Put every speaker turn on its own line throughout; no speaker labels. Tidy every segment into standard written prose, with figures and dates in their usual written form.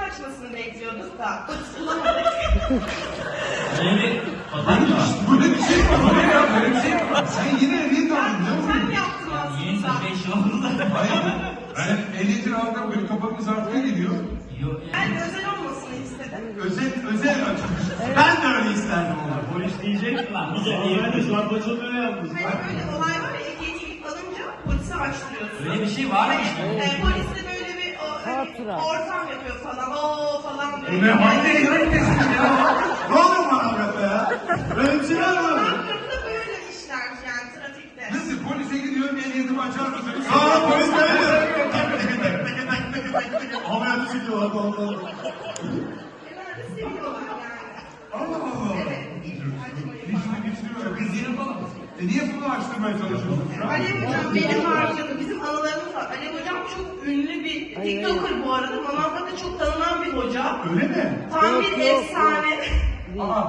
açmasını bekliyorduk da bulamadık.
Böyle böyle bir şey mi? Böyle bir şey mi? Sen yine ehliyet aldın değil mi?
Sen yaptın aslında.
5 oldu.
Hayır. Ben ehliyetin aldım böyle kapatımız artıya geliyor.
Yok
Ben özel olmasını istedim.
Özel açmış.
Ben de öyle isterdim onu.
polis diyecek lan. Bize
Ben de şu an başımda öyle yapmış.
Hani böyle olay var ya, ehliyeti alınca polise açtırıyorsun.
Öyle bir şey var mı?
Polis de böyle bir ortam yapıyor falan. Oo falan diyor.
Bu ne hangi ehliyetsin ya?
Ne oluyor bana be ya? Böyle bir şey var mı?
Ankara'da böyle işler yani trafikte.
Nasıl polise gidiyorum ehliyetimi açar mısınız?
Aa polis böyle. Havaya düşüyorlar falan.
Genelde seviyorlar yani.
Allah Allah.
Evet.
Geçiriyor. Kız yine falan. Niye bunu açtırmaya çalışıyorsun şu an?
Alev Hocam benim harcadı. Bizim anılarımız var. Alev Hocam çok ünlü bir TikToker bu arada. Manavgat'ta çok tanınan bir hoca.
Öyle mi?
Tam bir efsane.
Aa.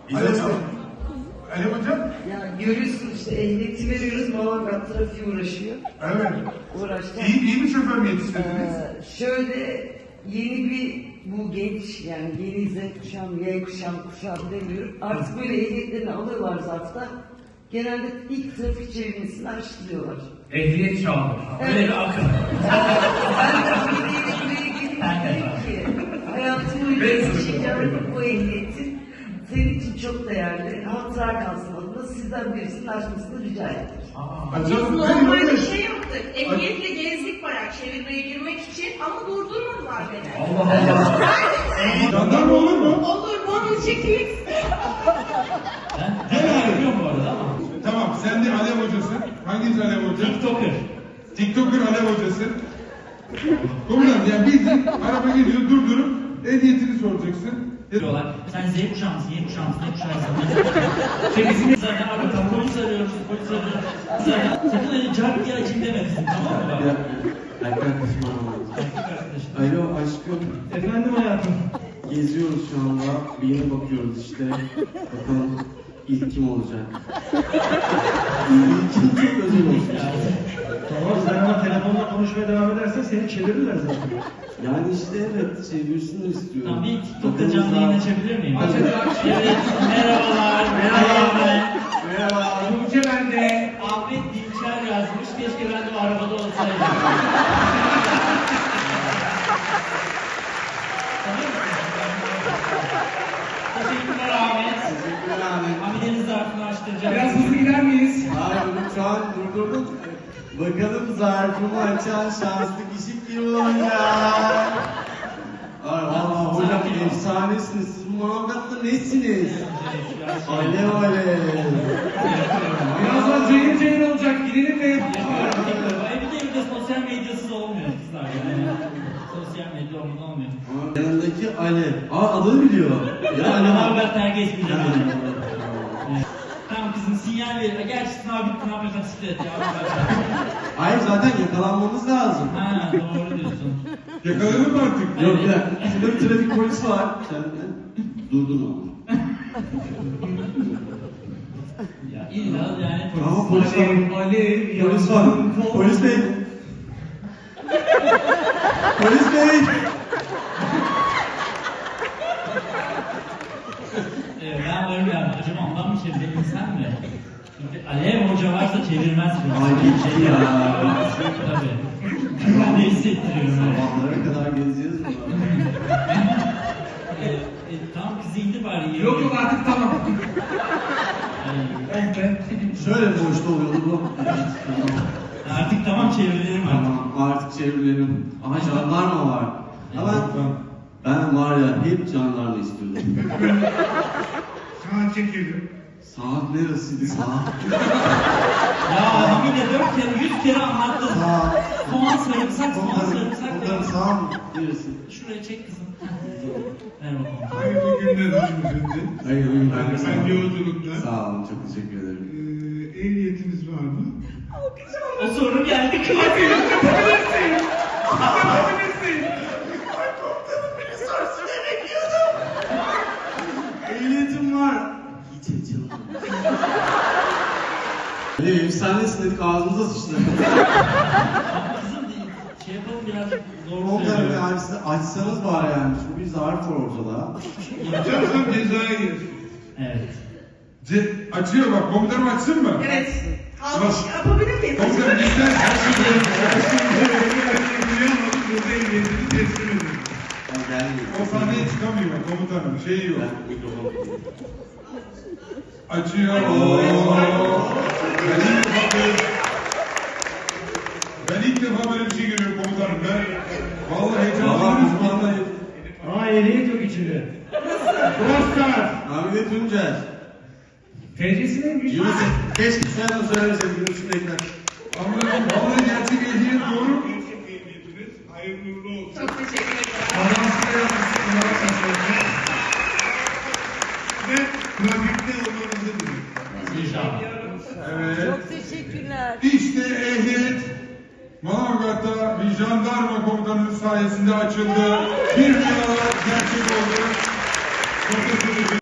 Alev hocam.
Ya görüyorsun işte ehliyeti veriyoruz, Manavgat trafiği uğraşıyor.
Evet.
Uğraştı.
İyi bir şoför mü yetiştirdiniz?
Şöyle yeni bir bu genç yani yeni Z kuşağım, Y kuşağım demiyorum. Artık böyle ehliyetlerini alıyorlar zarfta. Genelde ilk trafik çevirmesini araştırıyorlar.
Ehliyet çaldı. Öyle bir akım.
Ben de buraya gelip dedim ki hayatım boyunca yaşayacağım bu ehliyetin senin için çok değerli. Hatıra kalsın adına sizden birisinin açmasını rica ettim.
Biz normalde bir şey yaptık. Ehliyetle gezdik bayağı çevirmeye girmek için ama durdurmadılar beni.
Allah Allah.
Jandarma olur mu?
Olur, bunu çekmek.
Ben yapıyorum bu arada ama.
Tamam, sen de Alev hocasın. Hanginiz Alev hoca?
TikToker.
TikToker Alev hocası. Komutanım yani bildiğin araba geliyor durdurup ehliyetini soracaksın.
Diyorlar. Sen Z kuşağı mısın? Y kuşağı mısın? Ne kuşağı mısın? Çekisini zaten arada polis arıyorum. Polis arıyorum. Sakın öyle cart diye açayım demesin. Tamam mı?
Ya, arkadaşım Alo aşkım.
Efendim hayatım.
Geziyoruz şu anda. Bir yere bakıyoruz işte. Bakalım ilk kim olacak? İlk kim çok özel olacak.
Tamam sen ama telefonla konuşmaya devam edersen seni çevirirler zaten.
Yani işte evet çevirsinler istiyorum.
Tamam bir TikTok'ta
Bakalım
canlı yayın
daha-
açabilir miyim?
Aç.
Evet. Merhabalar. Merhaba.
Merhaba.
Tuğçe bende. Ahmet Dinçer yazmış. Keşke ben de o arabada olsaydım. Teşekkürler Ahmet.
Teşekkürler abi.
Ahmet'in zarfını açtıracağım.
Biraz hızlı gider miyiz?
Hayır bunu şu an durdurduk. Bakalım zarfımı açan şanslı kişi kim olacak? Ay valla hocam
Sakin ol.
efsanesiniz. Siz bu Manavgat'ta nesiniz? Alev alev.
Birazdan cayır cayır olacak. Gidelim de.
Bir de sosyal medyasız olmuyor kızlar yani. Sosyal medya olmuyor.
Yanındaki Alev. Aa adını biliyor. Ya Alev.
Haber herkes bilir. Evet. Tamam kızım sinyal ver. Gerçi sınav bitti ne yapacağım siklet ya.
Hayır zaten yakalanmamız lazım.
Ha doğru diyorsun.
Yakalanır mı artık?
Yok bir dakika. Şurada bir trafik polisi var. Sen de durdurma.
Ya illa yani
Ama polis var.
Alev,
Polis var. Polis bey. Polis bey.
Ben varım ya. Acaba ondan mı çevirelim sen mi? Çünkü Alev Hoca varsa çevirmez beni.
Ay gitti ya.
Tabii. Ben de hissettiriyorum.
Sabahlara kadar gezeceğiz mi?
Tamam kızı indi bari.
Yok yok artık tamam.
Şöyle boşta oluyordu bu.
Artık tamam çeviririm artık.
Tamam artık çevirelim. Aha jandarma var. Ama ben var ya hep jandarma istiyordum.
Saat çekildim.
Saat neresiydi saat?
Ya adam yine 4 kere 100 kere anlattın.
Saat.
Soğan sarımsak, soğan sarımsak.
Onların sağ neresi?
Şuraya çek kızım. Ver bakalım.
Hayırlı günler hanımefendi.
Hayır,
Ben yolculukta.
Sağ olun, çok teşekkür ederim.
Ehliyetiniz var mı?
O soru geldi.
Ehliyetim var. Hiç heyecanım. Efsanesin dedik ağzımıza sıçtı.
Kızım şey yapalım biraz
Komutanım yani siz açsanız bari yani. Şu bir zarf var ortada.
Açarsam cezaya gelir.
Evet.
Açıyor bak, komutanım açsın mı?
Evet. Alkış yapabilir miyiz?
Komutanım bizden
Ben gelmeyeyim.
o sahneye çıkamıyor komutanım, şeyi yok.
Ben mikrofon.
Açıyor. Ben ilk defa böyle bir şey görüyorum komutanım. Ben vallahi heyecanlandım.
Vallahi
Aa ehliyet yok içinde.
Oscar.
Hamile Tuncer.
TC'si neymiş?
Yunus, keşke sen de söylemeseydin Yunus'un ekran.
Anladım. Vallahi gerçek ehliyet doğru.
Hayırlı uğurlu olsun.
Çok teşekkür ederim.
Ve trafikte olmanızı diliyorum.
İnşallah.
Evet.
Çok teşekkürler.
İşte ehliyet Manavgat'ta bir jandarma komutanının sayesinde açıldı. Bir numara gerçek